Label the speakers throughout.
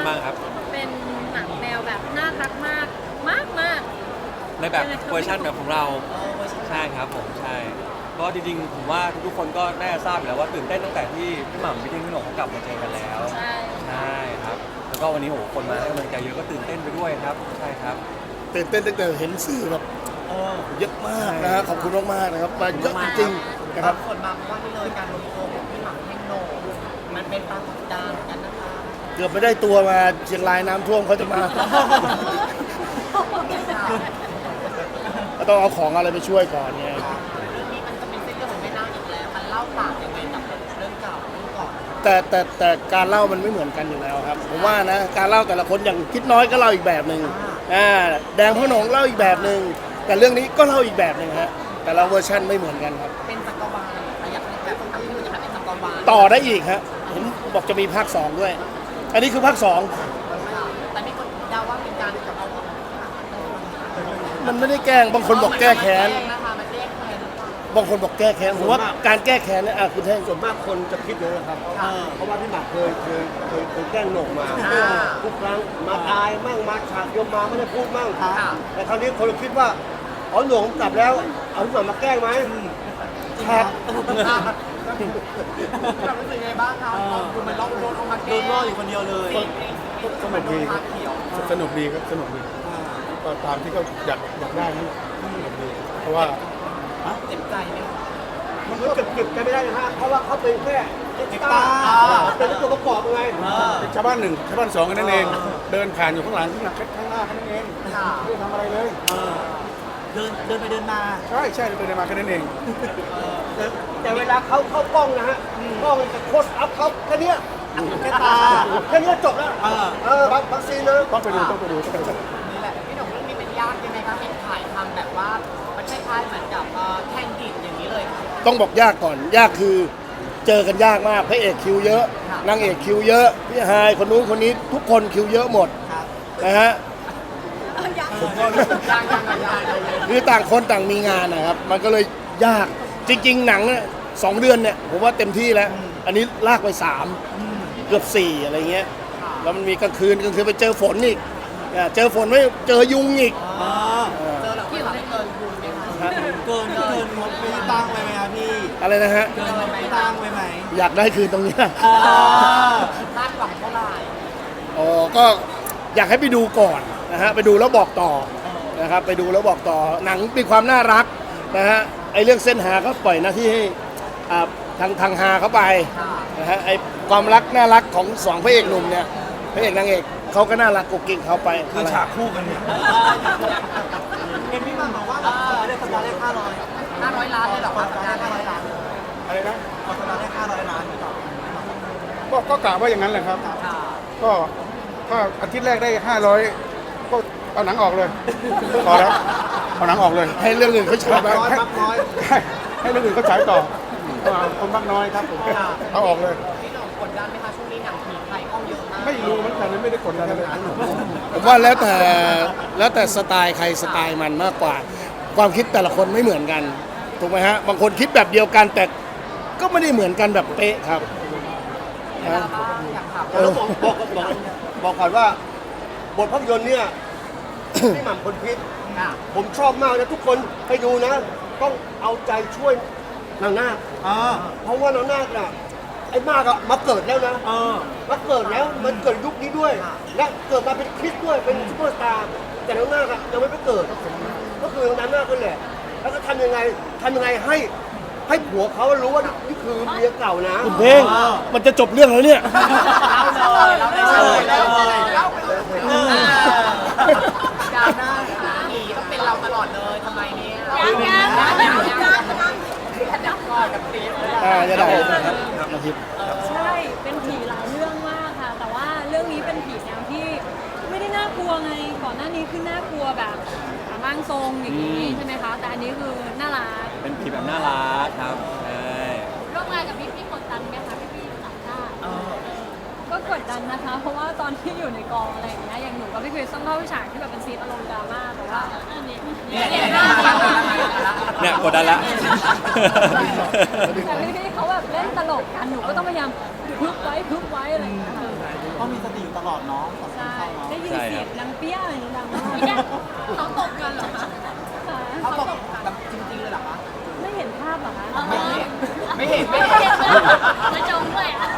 Speaker 1: บ้างครับ
Speaker 2: เป็นหนังแนวแบบน่ารักมากมาก
Speaker 1: ในแบบเวอร์ชันแบบของเราใช่ครับผมใช่ก็จริงๆผมว่าทุกๆคนก็น่าจะทราบอยู่แล้วว่าตื่นเต้นตั้งแต่ที่พี่หม่ำพี่เท่งพี่หน่งเขากลับมาเจอกันแล้ว
Speaker 2: ใช่
Speaker 1: ครับแล้วก็วันนี้โหคนมาให้กำลังใจเยอะก็ตื่นเต้นไปด้วยครับใช่ครับ
Speaker 3: ตื่นเต้นตั้งแต่เห็นสื่อแบบเยอะมากนะฮะขอบคุณมากๆนะครับมาเยอะจริงๆนะครับ
Speaker 4: ส่วนบางว่านี่เลยการรวมตัวของพี่หม่ำเท่งโหน่งมันเป็นปรากฏการณ์เหมือนกันนะคะ
Speaker 3: เกือบไม่ได้ตัวมาเชียงรายน้ำท่วมเขาจะมาก็ต้องเอาของอะไรไปช่วยก่อนไง
Speaker 4: เรื่องนี้มันจะเป็นเส้นเรื่องของแม่นาคอีกแล้วมันเล่าต่างยังไงกับเรื่องเก่าเรื่องก่อน
Speaker 3: แต่การเล่ามันไม่เหมือนกันอยู่แล้วครับผมว่านะการเล่าแต่ละคนอย่างคิดน้อยก็เล่าอีกแบบหนึ่งแดงพ่อหนงเล่าอีกแบบหนึ่งแต่เรื่องนี้ก็เล่าอีกแบบหนึ่งฮะแต่ละเวอร์ชันไม่เหมือนกันครับ
Speaker 4: เป็นจักรวาลอยากให้แบบทำให้มันจะเป็นจักรวาล
Speaker 3: ต่อได้อีกฮะเห็นบอกจะมีภาค2ด้วยอันนี้คือภาค2
Speaker 4: แต่มีคนเดาว่าเป็นการเอา
Speaker 3: มันไม่ได้แกล้งบางคนบอกแก้แค้น
Speaker 4: นะคะมันแก้แค้น
Speaker 3: บางคนบอกแก้แค้นผมว่าการแก้แค้นเนี่ยคุณแท่ง
Speaker 5: ส่วนมากคนจะคิดเลยนะครับเพราะว่าพี่หมากเคยแกล้งโหน่งมาทุกครั้งมาตายมั่งมาฉากยมมาไม่ได้พูดมั่งแต่คราวนี้คนคิดว่าอ๋อโหน่งกลับแล้วเอาพี่หมากมาแกล้งไหม
Speaker 3: ครับ
Speaker 4: เรารู้สึกไงบ้างครับคุณมันล่องโดนออกมาโดนล่ออยู่คนเดียวเลย
Speaker 5: สนุกดีครับสนุกดีครับสนุกดีก็ตามที่เขาอยากได้นั่นแหละเพราะว่า
Speaker 4: เจ็บใจไหม
Speaker 5: มันก็เก็บกันไม่ได้นะฮะเพราะว่าเขาเป็นแค่เอ็กซ์ตร้าเป็นตัวประกอบไงเป็นชาวบ้าน1ชาวบ้าน2กันนั่นเองเดินผ่านอยู่ข้างหลังข้างหน้าแค่นั้นเองไม่ได้ทำอะไรเลย
Speaker 4: เดินไปเดินมา
Speaker 5: ใช่เดินมาแค่นั้นเองแต่เวลาเขาเข้ากล้องนะฮะกล้องจะโคสอัพเขาแค่นี้
Speaker 4: แค่ตา
Speaker 5: แค่นี้จบแล้วบางซีนนะต้องไปดู
Speaker 4: นี่แหละพี่หนุ่มเรื่องนี้เป็นยากยังไงคะเห็นถ่ายทำแบบว่ามันคล้ายๆเหมือนกับแข่งดิบอย่างนี้เลย
Speaker 3: ต้องบอกยากก่อนยากคือเจอกันยากมากพระเอกคิวเยอะนางเอกคิวเยอะพี่ฮายคนนู้นคนนี้ทุกคนคิวเยอะหมดนะฮะคือต่างคนต่างมีงานนะครับมันก็เลยยากจริงๆหนังเนี่ย2 เดือนเนี่ยผมว่าเต็มที่แล้วอันนี้ลากไป3เกือบ4อะไรเงี้ยแล้วมันมีกลางคืนไปเจอฝนอีกเจอฝนไม่เจอยุงอีก
Speaker 4: เจอหลังไม่เกินยุงไหมคะเกินงบไม่ตั้งไปไหมครับพี่
Speaker 3: อะไรนะฮะ
Speaker 4: เกินไม่ตั้งไปไหม
Speaker 3: อยากได้คืนตรงนี้
Speaker 4: คาดหวังเท่าไหร่
Speaker 3: ก็อยากให้ไปดูก่อนนะฮะไปดูแล้วบอกต่อนะครับไปดูแล้วบอกต่อหนังมีความน่ารักนะฮะไอเรื่องเส้นหาก็ปล่อยหน้าที่ให้ทางหาเข้าไปนะฮะไอความรักน่ารักของ2พระเอกหนุ่มเนี่ยพระเอกนางเอกเขาก็น่ารักกุ๊กกิ๊กเขาไป
Speaker 5: คือฉากคู่กันเนี่ย
Speaker 4: เห็นพี่มาบอกว่าได้สัปดาห์แรก500 ล้านเลยหรอครับสัปดาห์500 ล้าน
Speaker 5: อะไรนะ
Speaker 4: สัปดาห์แรก500 ล้าน
Speaker 5: ก็กะว่าอย่างนั้นแหละครับก็ถ้าอาทิตย์แรกได้500ก็เอาหนังออกเลยพอแล้วเอาหนังออกเลย
Speaker 3: ให้เรื่องอื่นเขาฉาย
Speaker 5: ให้เรื่องอื่นเขาฉายต่อคนบ้างน้อยครับผมเอาออกเลย
Speaker 4: พี่หนุ่มกดดันไหมคะช่วงนี้หนังผีไทยเข้าเยอะมาก
Speaker 5: ไม่รู้เหมือนกันไม่ได้กดดันเลย
Speaker 3: ผมว่าแล้วแต่สไตล์ใครสไตล์มันมากกว่าความคิดแต่ละคนไม่เหมือนกันถูกไหมฮะบางคนคิดแบบเดียวกันแต่ก็ไม่ได้เหมือนกันแบบเป๊ะครับ
Speaker 5: แล้วบอกก่อนว่าบทภาพยนตร์เนี่ยพี่หม่ำคนคิดผมชอบมากนะทุกคนไปดูนะต้องเอาใจช่วยนางนาคเพราะว่านางนาคน่ะไอ้มากอะมาเกิดแล้วนะมาเกิดแล้วมันเกิดยุคนี้ด้วยและเกิดมาเป็นคริสต์ด้วยเป็นซุปเปอร์สตาร์แต่นางนาคอะยังไม่ไปเกิดก็คือนางนาคนั่นแหละแล้วก็ทำยังไงให้ผัวเขารู้ว่านี่คือเมียเก่านะ
Speaker 3: คุณเพลงมันจะจบเรื่องแล้วเนี่ย
Speaker 4: เราได้เลยดาหน้าผีต้องเป็นเราตลอดเลยทำไมเนี่ยกับตี
Speaker 3: จะได้
Speaker 2: ใช่เป็นผีหลายเรื่องมากค่ะแต่ว่าเรื่องนี้เป็นผีแนวที่ไม่ได้น่ากลัวไงก่อนหน้านี้คือน่ากลัวแบบร่างทรงอย่างนี้ใช่ไหมคะแต่อันนี้คือน่ารัก
Speaker 1: เป็นผีแบบน่ารักครับ
Speaker 2: ร่วมงานกับพี่กดดันไหมคะพี่ต่างชาติก็กดดันนะคะเพราะว่าตอนที่อยู่ในกองอะไรอย่างเงี้ยอย่างหนูกับพี่คริสต้องเข้าฉากที่แบบเป็นซีนอารมณ์ดราม่าแต่ว่า
Speaker 1: เนี่ยกดดันละ
Speaker 2: แต่พี่เขาแบบเล่นตลกกันหนูก็ต้องพยายามพึบไว้อะไรอย่างเงี้ย
Speaker 4: ต้องมีสติอยู่ตลอดเนาะ
Speaker 2: ใช่ได้ยินเสียงดังเปี้ยอย่างนี้ดังมากเขาตบกันเหรอคะ
Speaker 4: เขาตกแบบจริงๆเลยเหรอคะ
Speaker 2: ไม่เห็นภาพเหรอคะ
Speaker 4: ไม่เห็น
Speaker 2: ไม่จงด้วยอ่ะ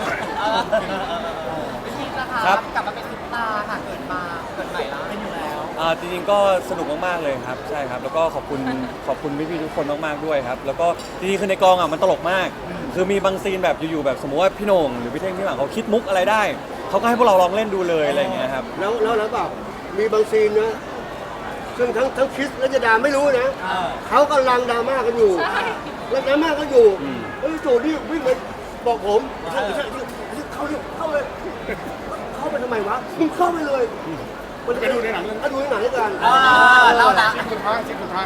Speaker 4: พี่พีนะคะ
Speaker 1: ครับ
Speaker 4: กลับมาเป็นซุปตาร์ค่ะเกิดใหม่แล้วเป็นอยู่แล้ว
Speaker 1: จริงๆก็สนุกมากๆเลยครับใช่ครับแล้วก็ขอบคุณพี่ๆทุกคนมากๆด้วยครับแล้วก็จริงๆคือในกองมันตลกมาก คือมีบางซีนแบบอยู่ๆแบบสมมติว่าพี่โหน่งหรือพี่เท่งพี่หม่ำเขาคิดมุกอะไรได้เขาก็ให้พวกเราลองเล่นดูเลยอะไรอย่างเงี้ยครับ
Speaker 5: แล้วแบบมีบางซีนนะซึ่งทั้งคริสและจดาไม่รู้นะเขากำลังดราม่ากันอยู่แล้วดราม่ากันอยู่โจนี่วิ่งไปบอกผมใช่เข้าเลยเข้าไปทำไมวะมึงเข้าไปเลยไปดูในหนังดูในหนังด้วยกัน
Speaker 4: เล่าละ
Speaker 3: สุดท้าย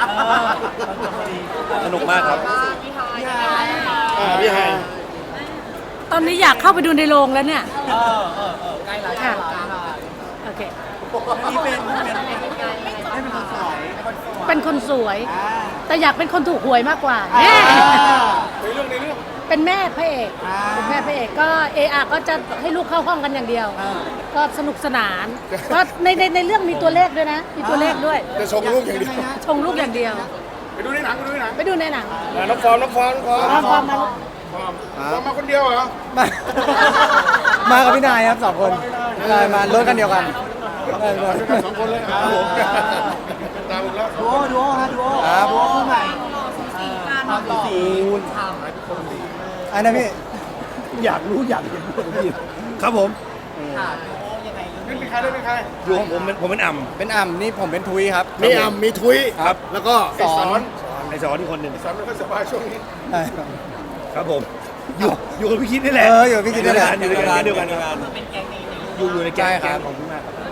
Speaker 1: สนุกมากครับ
Speaker 4: พี่ไฮ
Speaker 3: พี่ไฮ
Speaker 2: ตอนนี้อยากเข้าไปดูในโรงแล้วเนี่ย
Speaker 4: ใกล้ละใกล้ละ
Speaker 2: โอเค
Speaker 4: นี่เป็นให้เป็นคนสวย
Speaker 2: เป็นคนสวย แต่อยากเป็นคนถูกหวยมากกว่า
Speaker 3: ในเรื่อง
Speaker 2: เป็นแม่พระเอกเป็นแม่พระเอกก็ก็จะให้ลูกเข้าห้องกันอย่างเดียว ก็สนุกสนานก็ในเรื่องมีตัวเลขด้วยนะ มีตัวเลขด้วย
Speaker 3: จะชงลูกอย่างเดียว
Speaker 2: ชงลูกอย่างเดียว
Speaker 3: ไปดูในหนัง
Speaker 2: ไปดูในหนัง
Speaker 3: น้องฟอร์ม
Speaker 2: ความมา
Speaker 3: มาคนเดียวเหรอ
Speaker 6: มากับพี่นายครับสองคนใช่มารถกันเดียวกันได้เลย
Speaker 3: สองคนเลยครับผมตามผมแล้ว
Speaker 4: ดูโอฮะดูโอ
Speaker 6: ครับ
Speaker 4: ดูโอคู่ใหม่ความสี
Speaker 6: อันนั้นพี่
Speaker 3: อยากรู้อยากเห็นพี่ครับผม
Speaker 4: ค่ะดูโอยังไง
Speaker 3: เป็นใครอยู่ของผมเป็นอ่ำ
Speaker 6: เป็นอ่ำนี่ผมเป็นทุยครับ
Speaker 3: มีอ่ำมีทุย
Speaker 6: ครับ
Speaker 3: แล้วก็
Speaker 6: สอน
Speaker 3: ไอสอนที่คนหนึ่งสอนไม่ค่อยสบายช่วงนี้
Speaker 6: ใช่ครับ
Speaker 3: ครับผมอยู่กับพี่คิดนี่แหละ
Speaker 6: อยู่กับพี่คิดนี่แหละ
Speaker 3: อยู่ในการเดียวกันครับ
Speaker 4: เป็นแก๊งนี้
Speaker 3: อยู่ในแก๊
Speaker 6: ใช่
Speaker 3: ง
Speaker 6: ครับ
Speaker 3: ของพี่มากครับ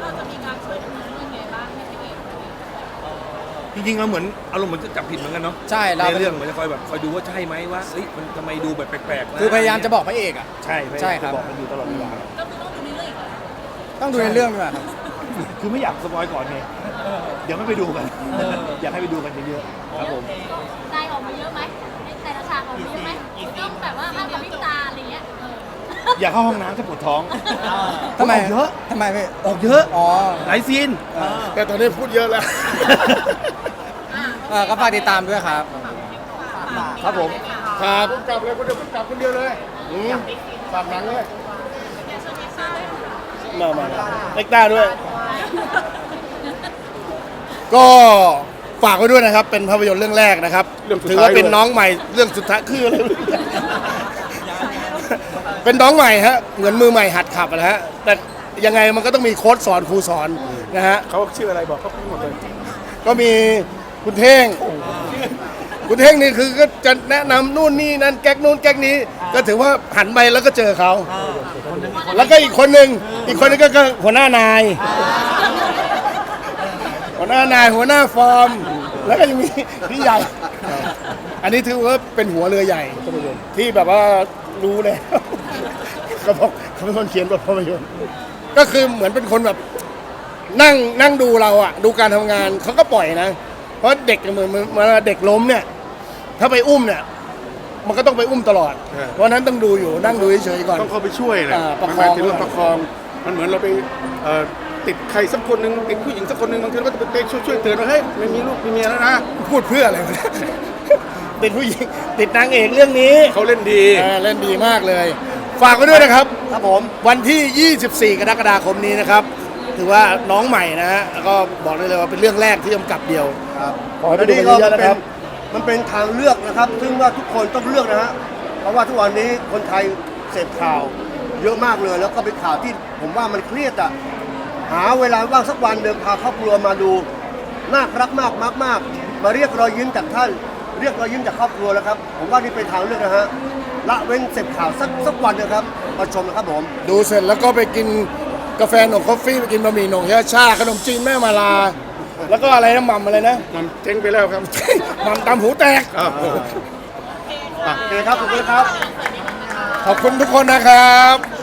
Speaker 3: จริงๆเราเหมือนอารมณ์เหมือนจะจับผิดเหมือนกันเนาะ
Speaker 6: ใช่เรา
Speaker 3: ในเรื่องเหมือนจะคอยแบบคอยดูว่าใช่ไหมว่าเอ้ยมันทำไมดูแบบแปลกๆวะ
Speaker 6: คือพยายามจะบอกพระเอกอ่ะ
Speaker 3: ใช่
Speaker 6: ใช่ครับ
Speaker 3: บอกมันอยู่ตลอดเวลา
Speaker 6: ต้องดูในเรื่องด้วยครับ
Speaker 3: คือไม่อยากสปอยก่อนไงเดี๋ยวไม่ไปดูกัน อยากให้ไปดูกันเยอะๆครับผม
Speaker 7: ได้ออกมาเยอะไหมในแต่ละฉากออกมาเยอะไหมต้องแบบว่าห้ามกับพริบตาอะไรเงี้ย
Speaker 3: อยากเข้าห้องน้ำจะปวดท้อง
Speaker 6: ทำไม
Speaker 3: ออกเยอะ
Speaker 6: ทำไมพี่
Speaker 3: ออกเยอะ
Speaker 6: อ๋อ
Speaker 3: หลายซีนแต่ตอนนี้พูดเยอะแล้ว
Speaker 6: ก็ฝากติดตามด้วยครับ
Speaker 3: ครับผมครับกลับเลยคนเดียวกลับคนเดียวเลยฝากหนังเลยมาเล็กต้าด้วย ก็ฝากไว้ด้วยนะครับ เป็นภาพยนตร์เรื่องแรกนะครับ ถือว่าเป็นน้องใหม่เรื่องสุดท้ายคืออะไร เป็นน้องใหม่ฮะเหมือนมือใหม่หัดขับนะฮะแต่ยังไงมันก็ต้องมีโค้ชสอนครูสอนนะฮะเขาชื่ออะไรบอกเขาพูดหมดเลยก็มีคุณเท่ง คุณเท่งนี่คือก็จะแนะนำนู่นนี่นั่นแก๊กนู่นแก๊กนี้ ก็ถือว่าหันไปแล้วก็เจอเขาแล้วก็อีกคนหนึ่งก็หัวหน้านาย หัวหน้านายหัวหน้าฟอร์ม แล้วก็ยังมีพี่ใหญ่ อันนี้ถือว่าเป็นหัวเรือใหญ่ที่แบบว่ารู้เลย เขาบอกเขาเป็นคนเขียนบทภาพยนตร์ก็คือเหมือนเป็นคนแบบนั่งดูเราอะดูการทำงานเขาก็ปล่อยนะ เพราะเด็กเหมือนเด็กล้มเนี่ย ถ้าไปอุ้มเนี่ย มันก็ต้องไปอุ้มตลอด เพราะฉะนั้นต้องดูอยู่นั่งดูเฉยๆก่อน
Speaker 8: ต้องเข้าไปช่วยแหละ
Speaker 3: ประคอง
Speaker 8: หมายถึงว่าประคอง มันเหมือนเราไปติดใครสักคนหนึ่งติดผู้หญิงสักคนหนึ่งบางทีเราก็จะไปช่วยเตือนว่าเฮ้ยไม่มีลูกมีเมียแล้วนะ
Speaker 3: พูดเพื่ออะไรวะเนี่ย ติดผู้หญิงติดนางเอกเรื่องนี้
Speaker 8: เขาเล่นดี
Speaker 3: เล่นดีมากเลย ฝากไว้ด้วยนะครับ
Speaker 5: ครับผม
Speaker 3: วันที่ 24 กรกฎาคมนี้นะครับ ถือว่าน้องใหม่นะฮะแล้วก็บอกได้เลยว่าเป็นเรื่องแรกที่กำกับเดียว
Speaker 5: ครับ
Speaker 3: ขอให้ไปดูกันเยอะๆนะครับ
Speaker 5: มันเป็นทางเลือกนะครับ ซึ่งว่าทุกคนต้องเลือกนะฮะ เพราะว่าทุกวันนี้คนไทยเสพข่าวเยอะมากเลย แล้วก็เป็นข่าวที่ผมว่ามันเครียดอ่ะ หาเวลาว่างสักวันเดินพาครอบครัวมาดู น่ารักมากมากๆมาเรียกรอยยิ้มจากท่าน เรียกรอยยิ้มจากครอบครัวแล้วครับ ผมว่านี่เป็นทางเลือกนะฮะ ละเว้นเสพข่าวสักวันนะครับ มาชมนะครับผม
Speaker 3: ดูเสร็จแล้วก็ไปกินกาแฟหนงกาแฟไปกินบะหมี่หนงชาขนมจีนแม่มาลา แล้วก็อะไรนะหม่ำอะไรนะ
Speaker 8: มันเจ๊งไปแล้วครับ
Speaker 3: หม่ำตำหูแตก
Speaker 8: ครับ
Speaker 5: โอเคครับ ขอบคุณครับ
Speaker 3: ขอบคุณทุกคนนะครับ